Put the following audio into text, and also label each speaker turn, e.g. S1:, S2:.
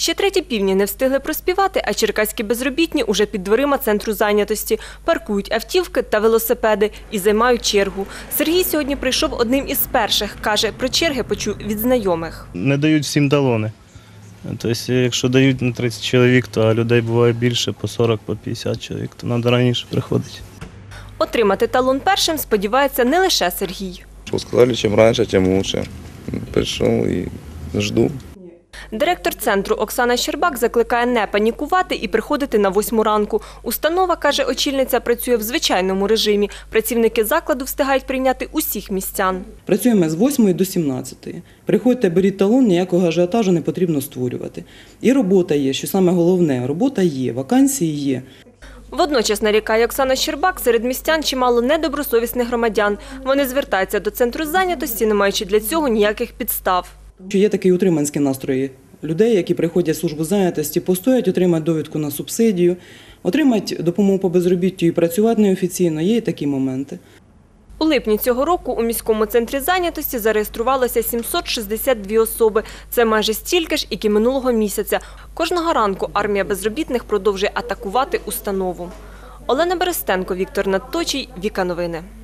S1: Ще треті півні не встигли проспівати, а черкаські безробітні уже під дверима центру зайнятості. Паркують автівки та велосипеди і займають чергу. Сергій сьогодні прийшов одним із перших. Каже, про черги почув від знайомих.
S2: Не дають всім талони. Тобто, якщо дають на 30 чоловік, то людей буває більше, по 40, по 50 чоловік, то треба раніше приходити.
S1: Отримати талон першим сподівається не лише Сергій.
S3: Сказали, чим раніше, тим краще. Прийшов і жду.
S1: Директор центру Оксана Щербак закликає не панікувати і приходити на 8 ранку. Установа, каже очільниця, працює в звичайному режимі. Працівники закладу встигають прийняти усіх містян.
S4: Працюємо з 8 до 17. Приходьте, беріть талон, ніякого ажіотажу не потрібно створювати. І робота є, що саме головне, робота є, вакансії є.
S1: Водночас, нарікає Оксана Щербак, серед містян чимало недобросовісних громадян. Вони звертаються до центру зайнятості, не маючи для цього ніяких підстав.
S4: Є такі утриманські настрої людей, які приходять в службу зайнятості, постоять, отримають довідку на субсидію, отримають допомогу по безробіттю і працювати неофіційно. Є і такі моменти.
S1: У липні цього року у міському центрі зайнятості зареєструвалося 762 особи. Це майже стільки ж, як і минулого місяця. Кожного ранку армія безробітних продовжує атакувати установу. Олена Берестенко, Віктор Надточій, Віка Новини.